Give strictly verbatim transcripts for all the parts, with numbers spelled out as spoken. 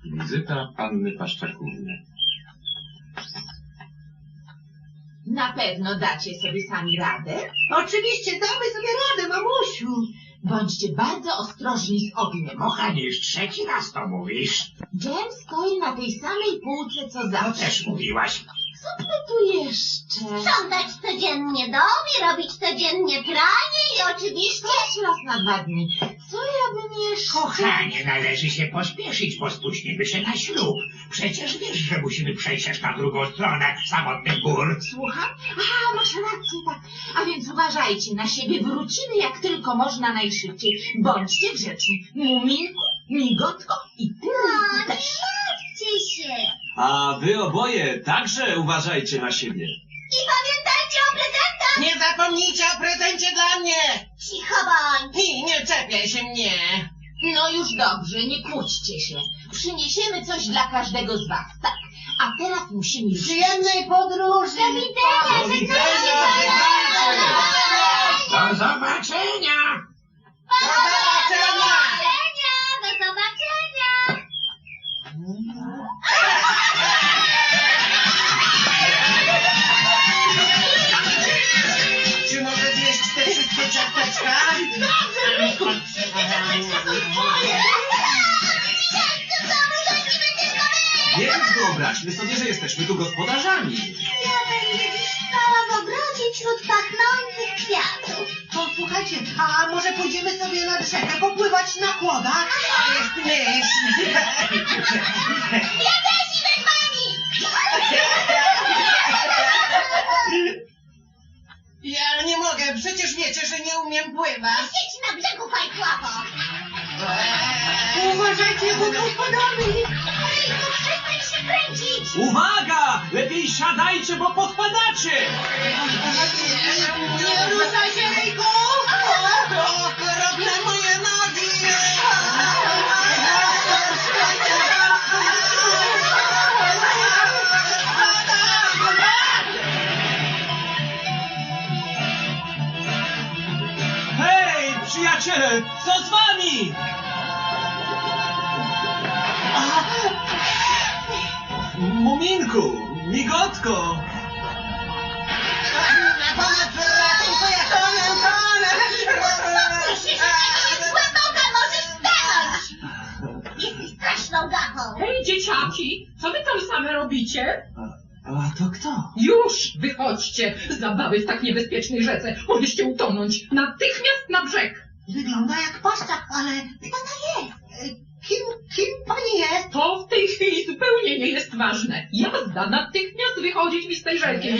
Wizyta panny Paszczakówny. Na pewno dacie sobie sami radę? Oczywiście damy sobie radę, mamusiu. Bądźcie bardzo ostrożni z ogniem. Kochanie, już trzeci raz to mówisz. Jem stoi na tej samej półce, co To zawsze. też mówiłaś. Co by tu jeszcze? Sprzątać codziennie dom i robić codziennie pranie i oczywiście... Też raz na dwa dni. Co ja bym jeszcze... Kochanie, należy się pośpieszyć, bo spóźnimy się na ślub. Przecież wiesz, że musimy przejść aż na drugą stronę samotnych gór. Słucham? A, masz rację, tak. A więc uważajcie na siebie. Wrócimy jak tylko można najszybciej. Bądźcie grzeczni. Muminku, Migotko i ty No, też. nie martwcie się. A wy oboje także uważajcie na siebie. I pamiętajcie o prezentach. Nie zapomnijcie o prezencie dla mnie. Cicho bądź. I nie czepiaj się mnie. No już dobrze, nie kłóćcie się. Przyniesiemy coś dla każdego z was, tak. A teraz musimy już... Przyjemnej podróży. Do widzenia. Do widzenia, Do zobaczenia! Do zobaczenia. Do zobaczenia. Czy mogę zjeść te wszystkie ciasteczka? Więc wyobraźmy sobie, że jesteśmy tu gospodarzami. Ja będę dziś spała w ogrodzie wśród pachnących kwiatów. Posłuchajcie, a może pójdziemy sobie nad rzekę popływać na kłodach? To jest myśl. Ja też idę z wami. Ja nie mogę, przecież wiecie, że nie umiem pływać. Siedź na brzegu, fajkłapo. Uważajcie, bo tu spadamy. Ryjku, przestań się kręcić. Uwaga! Lepiej siadajcie, bo podpadacie! Nie ruszaj się, Ryjku! O, okropne moje nogi! Hej, przyjaciele, co z wami? Muminku, Migotko! Na pomoc, ratunkuję, tonę, tonę! Musisz, jest głęboka, możesz stanąć. Jesteś straszną gachą. Hej, dzieciaki, co wy tam same robicie? A to kto? Już wychodźcie z zabawy w tak niebezpiecznej rzece. Mogliście utonąć natychmiast na brzeg. Wygląda jak paszczak, ale kto to jest? Kim, kim pani jest? To w tej chwili zupełnie nie jest ważne. Jazda, natychmiast wychodzić mi z tej rzeki.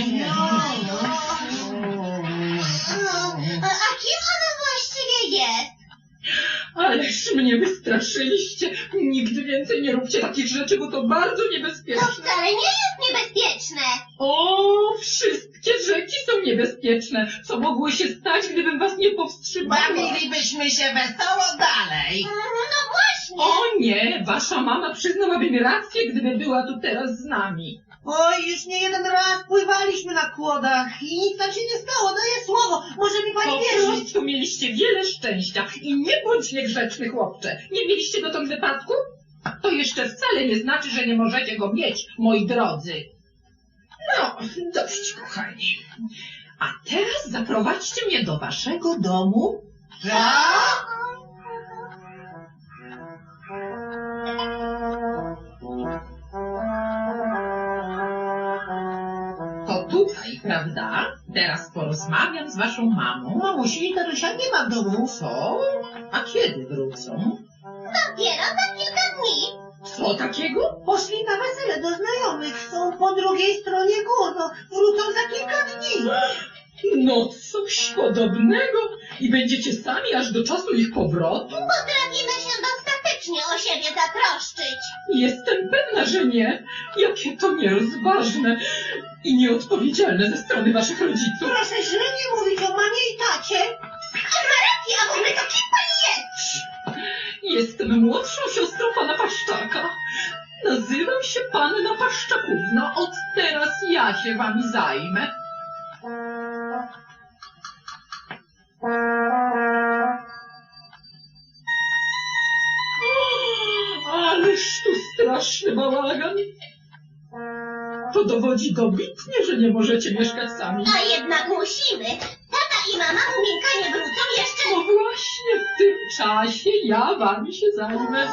A kim ona właściwie jest? Ależ mnie wystraszyliście. Nigdy więcej nie róbcie takich rzeczy, bo to bardzo To niebezpieczne. wcale nie jest niebezpieczne. O, wszystkie rzeki są niebezpieczne. Co mogło się stać, gdybym was nie powstrzymała? Bawilibyśmy się wesoło dalej. No właśnie. O nie, wasza mama przyznałaby mi rację, gdyby była tu teraz z nami. Oj, już nie jeden raz pływaliśmy na kłodach i nic nam się nie stało, daję słowo. Może mi pani Po wierzyć? prostu mieliście wiele szczęścia i nie bądź niegrzeczny, chłopcze. Nie mieliście dotąd wypadku? To jeszcze wcale nie znaczy, że nie możecie go mieć, moi drodzy. No, dość, kochani. A teraz zaprowadźcie mnie do waszego domu. Tak? To tutaj, prawda? Teraz porozmawiam z waszą mamą. Mamusi i tatusia nie ma w domu. Co? A kiedy wrócą? Dopiero za kilka dni. Co takiego? Poszli na wesele do znajomych, są po drugiej stronie gór, no, wrócą za kilka dni. No coś podobnego. I będziecie sami aż do czasu ich powrotu? Potrafimy się dostatecznie o siebie zatroszczyć. Jestem pewna, że nie. Jakie to nierozważne i nieodpowiedzialne ze strony waszych rodziców. Proszę źle nie mówić o mamie i tacie. On ma rację, a w ogóle to kim pani jest? Jestem młodszą siostrą pana Paszczaka. Nazywam się panna Paszczakówna. Od teraz ja się wami zajmę. Ależ tu strasznie straszny bałagan. To dowodzi dobitnie, że nie możecie mieszkać sami. A jednak musimy. Tata i mama Muminka nie wrócą jeszcze. No właśnie w tym czasie ja wami się zajmę.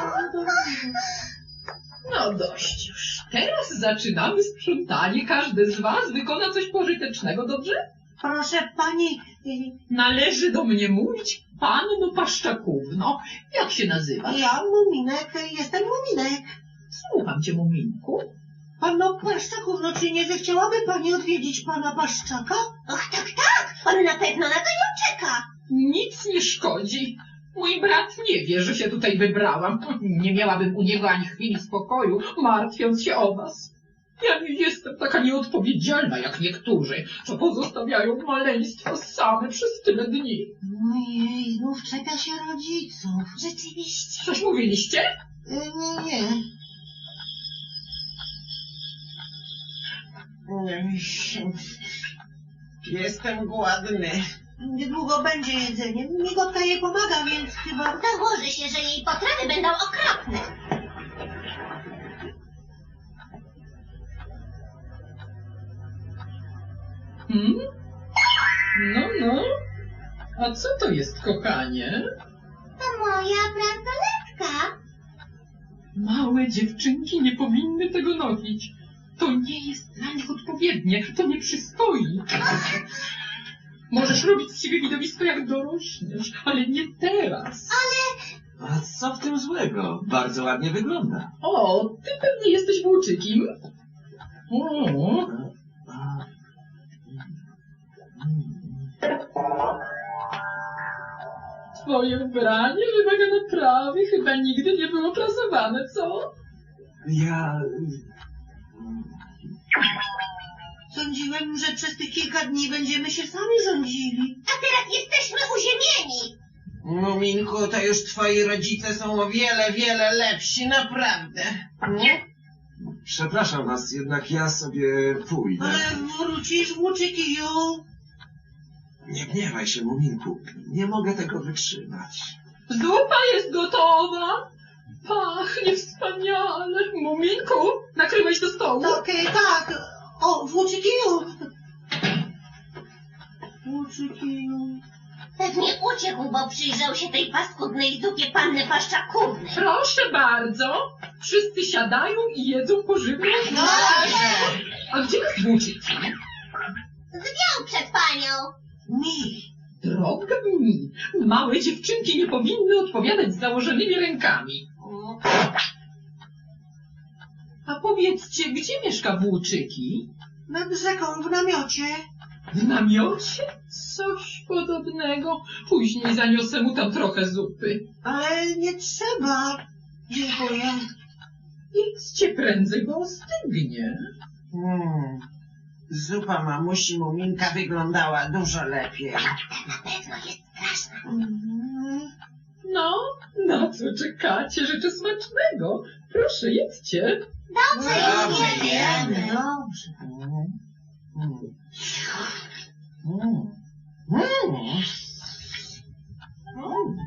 No dość już. Teraz zaczynamy sprzątanie. Każdy z was wykona coś pożytecznego, dobrze? Proszę pani, y, Należy do mnie mówić panno Paszczakówno. Jak się nazywasz? ja Muminek, jestem Muminek. Słucham cię, Muminku. Panno Paszczakówno, czy nie zechciałaby pani odwiedzić pana Paszczaka? Och, tak, tak. On na pewno na to nie czeka. Nic nie szkodzi. Mój brat nie wie, że się tutaj wybrałam. Nie miałabym u niego ani chwili spokoju, martwiąc się o was. Ja nie jestem taka nieodpowiedzialna jak niektórzy, co pozostawiają maleństwo same przez tyle dni. Ojej, znów czeka się rodziców. Rzeczywiście. Coś mówiliście? Y, Nie, nie. Jestem głodny. Niedługo będzie jedzenie. Migotka jej pomaga, więc chyba... Założę się, że jej potrawy będą okropne. Hmm? No, no. A co to jest, kochanie? To moja bransoletka. Małe dziewczynki nie powinny tego nosić. To nie jest dla nich odpowiednie, to nie przystoi. Możesz robić z siebie widowisko jak dorośniesz, ale nie teraz. A co w tym złego? Bardzo ładnie wygląda. O, ty pewnie jesteś włóczykiem. O, A, twoje ubranie wymaga naprawy, chyba nigdy nie było prasowane, co? ja... Sądziłem, że przez tych kilka dni będziemy się sami rządzili. A teraz jesteśmy uziemieni. Muminku, to już twoi rodzice są o wiele, wiele lepsi, naprawdę. Nie? Przepraszam was, jednak ja sobie pójdę. Ale wrócisz, włóczykiju. Nie gniewaj się, Muminku. Nie mogę tego wytrzymać. Zupa jest gotowa. Pachnie wspaniale. Muminku, nakryłeś do stołu? Okej, tak. O, włóczykiju. Włóczykiju. Pewnie uciekł, bo przyjrzał się tej paskudnej zupie panny Paszczakówny. Proszę bardzo. Wszyscy siadają i jedzą pożywną zupę. A gdzie jest włóczyki? Zwiał przed panią. Mi. Droga mi, małe dziewczynki nie powinny odpowiadać z założonymi rękami. A powiedzcie, gdzie mieszka włóczyki? Nad rzeką w namiocie. W namiocie? Coś podobnego. Później zaniosę mu tam trochę zupy. Ale nie trzeba. Dziękuję. Idźcie prędzej, bo ostygnie. Mm. Zupa mamusi Muminka wyglądała dużo lepiej. Na pewno jest straszna. Mhm. No, na co czekacie? Życzę smacznego. Proszę, jedźcie. Dobrze, Dobrze, już wiemy. jemy. Dobrze. Mm. Mm. Mm. Mm.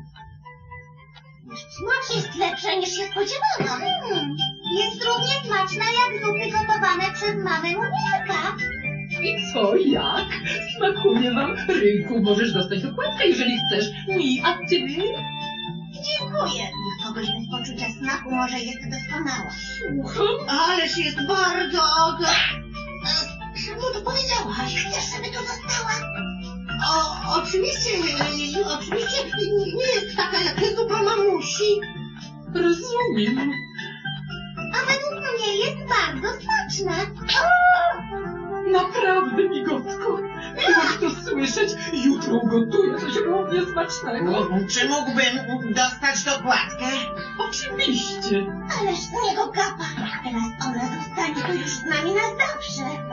Smak jest lepszy niż się spodziewano. Hmm. Jest równie smaczna jak zupy gotowane przez mamę Muminka. I co, jak? Smakuje wam? Ryjku, możesz dostać dokładkę, jeżeli chcesz. Mi, a ty? Dziękuję. Dla kogoś bez poczucia smaku może jest doskonała. Słucham. Ależ jest bardzo... Czemu to powiedziałaś? Chcesz, żeby tu została? O, oczywiście, e, oczywiście nie- nie jest taka jak zupa mamusi. Rozumiem. A według mnie jest bardzo smaczna. Naprawdę, migotko. Miłość to słyszeć. Jutro ugotuję coś równie smacznego. Mm. Czy mógłbym dostać dokładkę? Oczywiście. Ależ z niego gapa. Teraz ona zostanie tu już z nami na zawsze.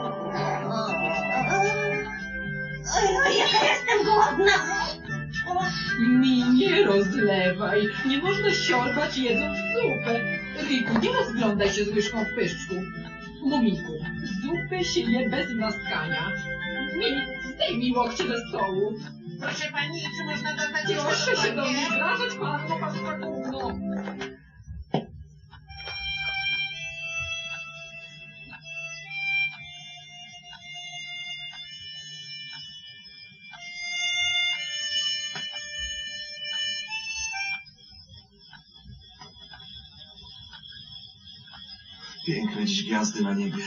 Oj, oj, jaka jestem głodna. Mi nie rozlewaj. Nie można siorbać jedząc zupę. Ryjku, nie rozglądaj się z łyżką w pyszczku. Mumiku, zupę się je bez maskania. Mi, zdejmij łokcie ze stołu. Proszę pani, czy można dostać Proszę się do mnie dokładkę? zwracać, panno Paszczakówno. Piękne dziś gwiazdy na niebie.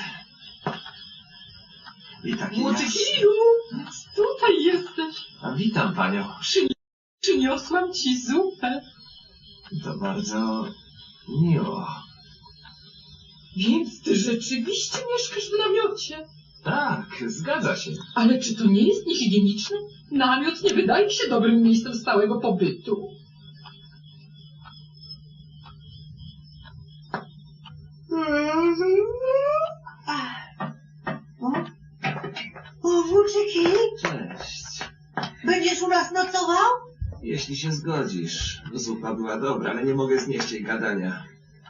I takie Młody jasne. Kiju, tutaj jesteś. A witam panią. Przyni przyniosłam ci zupę. To bardzo miło. Więc ty rzeczywiście mieszkasz w namiocie. Tak, zgadza się. Ale czy to nie jest niehigieniczne? Namiot nie wydaje się dobrym miejscem stałego pobytu. O, włóczyki, Cześć. będziesz u nas nocował? Jeśli się zgodzisz. Zupa była dobra, ale nie mogę znieść jej gadania.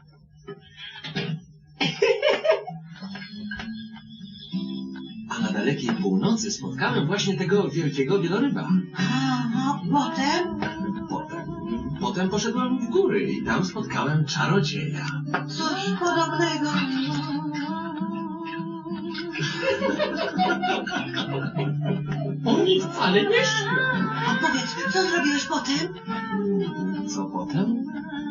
A na dalekiej północy spotkałem właśnie tego wielkiego wieloryba. A, a potem? Potem, potem poszedłem w góry i tam spotkałem czarodzieja. Coś podobnego. Oni wcale nie śpią. A powiedz, co zrobiłeś potem? Co potem?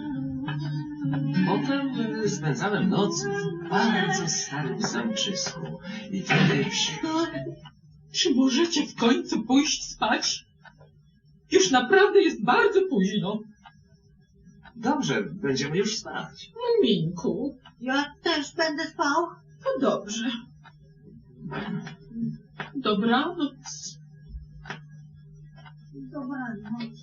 Potem y, spędzałem noc w bardzo starym zamczysku. I wtedy psi... Czy możecie w końcu pójść spać? Już naprawdę jest bardzo późno. Dobrze, będziemy już spać. Muminku, Ja też będę spał. to dobrze. Dobranoc. Dobranoc.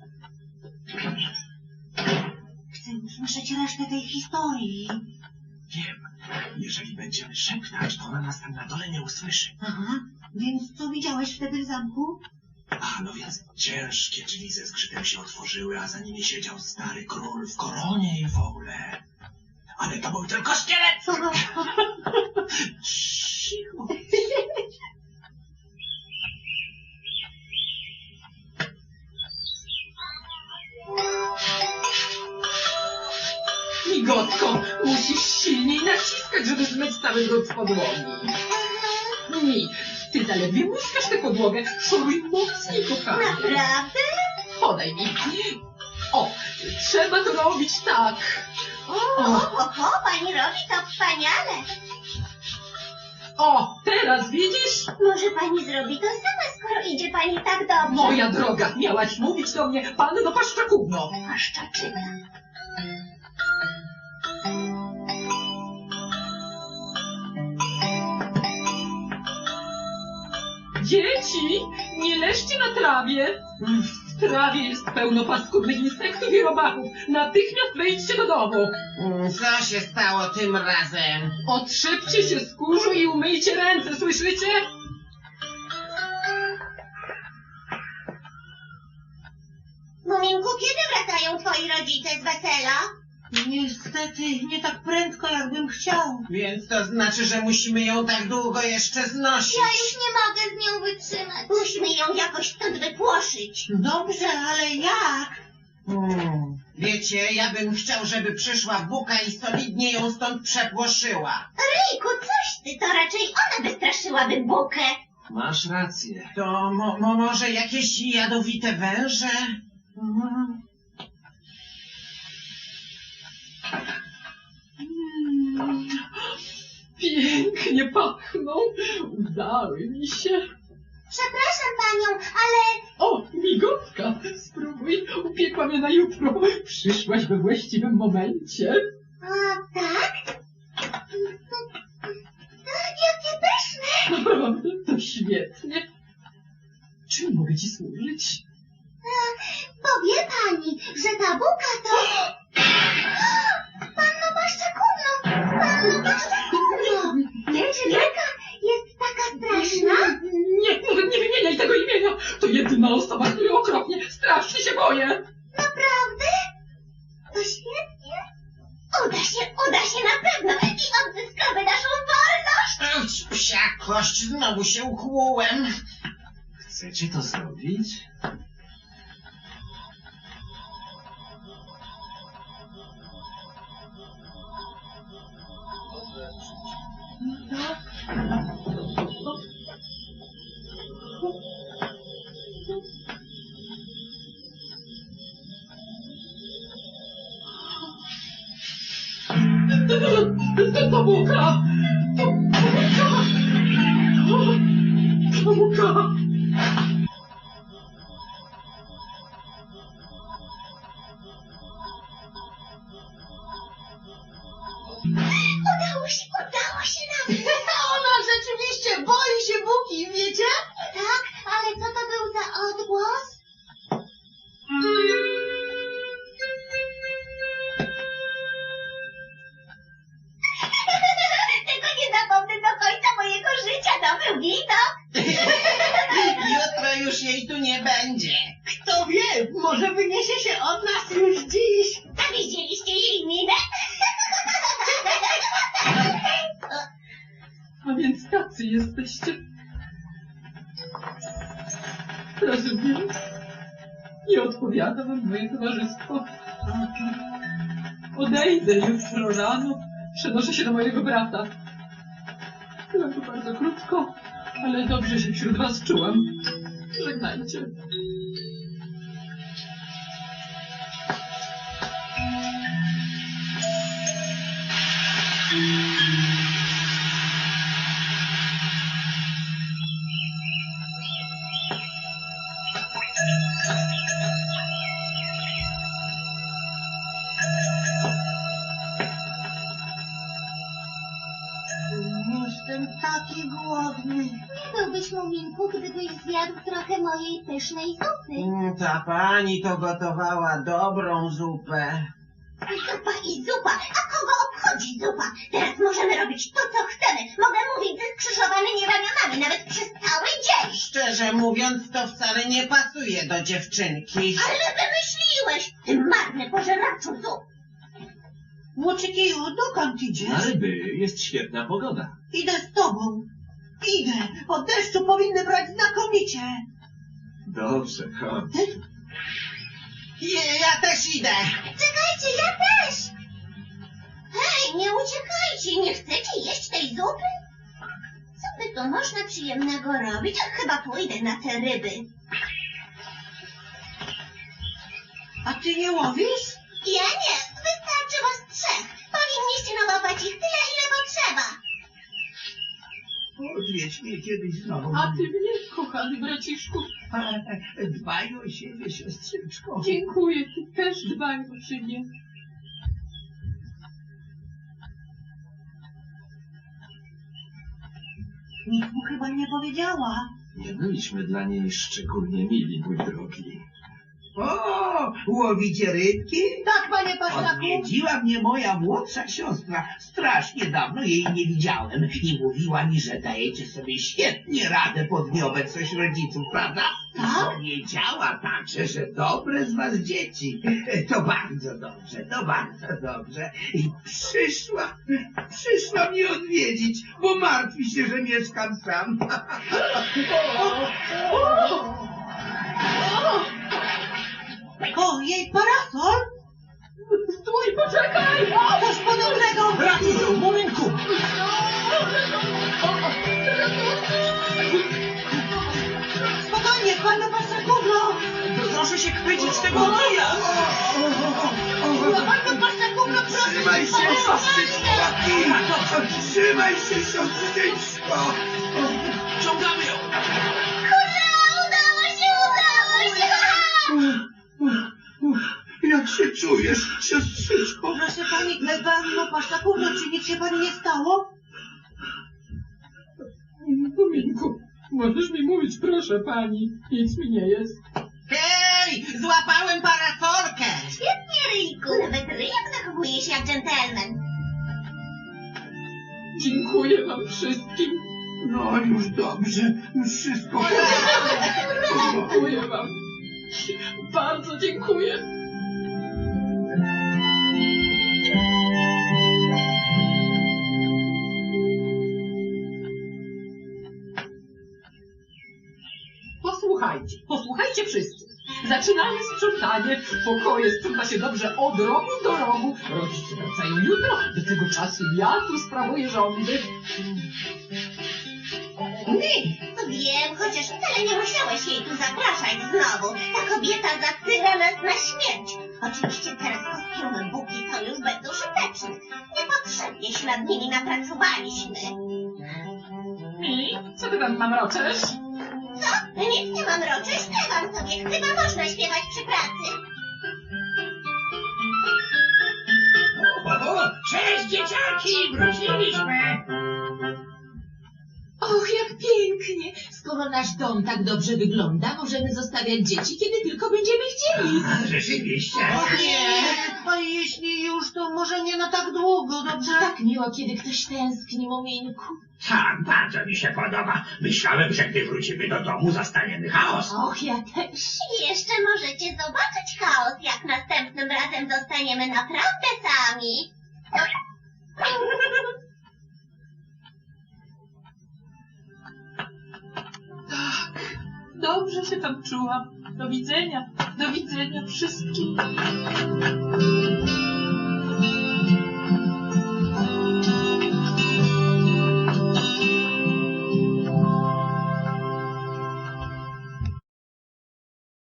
Chcę usłyszeć resztę tej historii. Wiem, jeżeli będziemy szeptać, to ona nas tam na dole nie usłyszy. Aha, więc co widziałeś wtedy w zamku? A, no więc ciężkie drzwi ze zgrzytem się otworzyły, a za nimi siedział stary król w koronie i w ogóle. Ale to był tylko szkielet! Cicho. Migotko, musisz silniej naciskać, żeby zmyć cały brud z podłogi. Mi, ty zaledwie muskasz tę podłogę. Szoruj mocniej, kochanie. Naprawdę? Podaj mi. O, trzeba to robić tak. O, o, o, pani robi to wspaniale. O, teraz widzisz? Może pani zrobi to sama, skoro idzie pani tak dobrze. Moja droga, miałaś mówić do mnie, panno Paszczakówno. Paszczaczyna. Dzieci, nie leżcie na trawie. W trawie jest pełno paskudnych insektów i robaków. Natychmiast wejdźcie do domu. Mm, Co się stało tym razem? Otrzepcie się z kurzu i umyjcie ręce, słyszycie? Muminku, kiedy wracają twoi rodzice z wesela? Niestety, nie tak prędko, jakbym chciał. Więc to znaczy, że musimy ją tak długo jeszcze znosić. Ja już nie mogę z nią wytrzymać. Musimy ją jakoś stąd wypłoszyć. Dobrze, ale jak? Hmm. Wiecie, ja bym chciał, żeby przyszła Buka i solidnie ją stąd przepłoszyła. Ryjku, coś ty, to raczej ona wystraszyłaby Bukę. Masz rację. To mo mo może jakieś jadowite węże? Mhm. Mm, pięknie pachną. Udały mi się. Przepraszam panią, ale O, migotka, spróbuj. Upiekła mnie na jutro. Przyszłaś we właściwym momencie. a tak? Jakie pyszne! Naprawdę, to świetnie. Czym mogę ci służyć? Powie pani, że ta Buka to... Panno Paszczakówno! Panno Paszczakówno! Czy Buka jest taka straszna? Nie, nawet nie wymieniaj tego imienia. To jedyna osoba, której okropnie, strasznie się boję. Naprawdę? To świetnie. Uda się, uda się na pewno i odzyskamy naszą wolność. Auć, psia kość, znowu się ukłułem. Chcecie to zrobić? To, to buka! To buka! To buka! Udało się, udało się nam. Ona rzeczywiście boi się Buki, wiecie? Tak, ale co to był za odgłos? Tego nie zapomnę do końca mojego życia, to był widok. Jutro już jej tu nie będzie. Kto wie, może wyniesie się od nas już dziś. A widzieliście jej minę? A więc tacy jesteście. Rozumiem. Nie odpowiada wam moje towarzystwo. Odejdę jutro rano. Przenoszę się do mojego brata. Byłem tu bardzo krótko, ale dobrze się wśród was czułam. Żegnajcie. Jestem taki głodny. Nie byłbyś, Muminku, gdybyś zjadł trochę mojej pysznej zupy. Mm, Ta pani to gotowała dobrą zupę. Zupa i zupa. A kogo obchodzi zupa? Teraz możemy robić to, co chcemy. Mogę mówić ze skrzyżowanymi ramionami nawet przez cały dzień. Szczerze mówiąc, to wcale nie pasuje do dziewczynki. Ale wymyśliłeś, ty marny pożeraczu zup. Łoczykiju, dokąd idziesz? Na ryby jest świetna pogoda. Idę z tobą. Idę. Po deszczu powinny brać znakomicie. Dobrze, chodź. Je, ja też idę. Czekajcie, ja też. Hej, nie uciekajcie, nie chcecie jeść tej zupy? Co by tu można przyjemnego robić? Ach, chyba pójdę na te ryby. A ty nie łowisz? Ja nie, wystarczy was trzech. Powinniście nałapać ich tyle, ile potrzeba. Odwiedź mnie kiedyś znowu. A ty mnie, kochany braciszku. Dbaj o siebie, siostrzyczko. Dziękuję, ty też dbaj o siebie. Nikt mu chyba nie powiedziała. Nie byliśmy dla niej szczególnie mili, mój drogi. O, łowicie rybki? Tak, panie Pasztaku. Odwiedziła mnie moja młodsza siostra. Strasznie dawno jej nie widziałem i mówiła mi, że dajecie sobie świetnie radę pod nieobecność rodziców, prawda? Tak? Powiedziała także, że dobre z was dzieci. To bardzo dobrze, to bardzo dobrze. I przyszła, przyszła mnie odwiedzić, bo martwi się, że mieszkam sam. O, jej parasol? Stój, poczekaj! Coś podobnego. Ratuj ją, Muminku! Spokojnie, panie Pasztakówno. Proszę się chwycić tego kija! Panie Pasztakówno, proszę. Trzymaj się, siostrzyczko! Trzymaj się, siostrzyczko! Ciągamy ją! Hurra, udało się, udało się! Jak się czujesz, siostrzyczko? Proszę pani, panno Pasztakówno, czy nic się pani nie stało? Muminku, możesz mi mówić, proszę pani. Nic mi nie jest. Hej, złapałem parasolkę. Świetnie, Ryjku, nawet ryjak zachowuje się jak dżentelmen. Dziękuję wam wszystkim. No już dobrze, już wszystko. Dziękuję wam. Bardzo dziękuję. Posłuchajcie, posłuchajcie wszyscy. Zaczynamy sprzątanie. Pokoje sprząta się dobrze od rogu do rogu. Rodzice wracają jutro. Do tego czasu ja tu sprawuję rządy. Wiem, chociaż wcale nie musiałeś jej tu zapraszać znowu. Ta kobieta zatyra nas na śmierć. Oczywiście teraz kostiumy Buki to już bez użyteczne. Nie potrzeba ładnie się nad nimi napracowaliśmy. Mi? Co ty tam mamroczesz? Co? Nic nie mam roczy, śpiewam sobie. Chyba można śpiewać przy pracy. O, o, cześć dzieciaki, wróciliśmy. Och, jak pięknie! Skoro nasz dom tak dobrze wygląda, możemy zostawiać dzieci, kiedy tylko będziemy chcieli. A, rzeczywiście. O nie! A jeśli już, to może nie na tak długo, dobrze? Tak miło, kiedy ktoś tęskni, Muminku. Tak, bardzo mi się podoba. Myślałem, że gdy wrócimy do domu, zastaniemy chaos. Och, ja też. I jeszcze możecie zobaczyć chaos, jak następnym razem zostaniemy naprawdę sami. Dobrze się tam czułam. Do widzenia. Do widzenia wszystkim.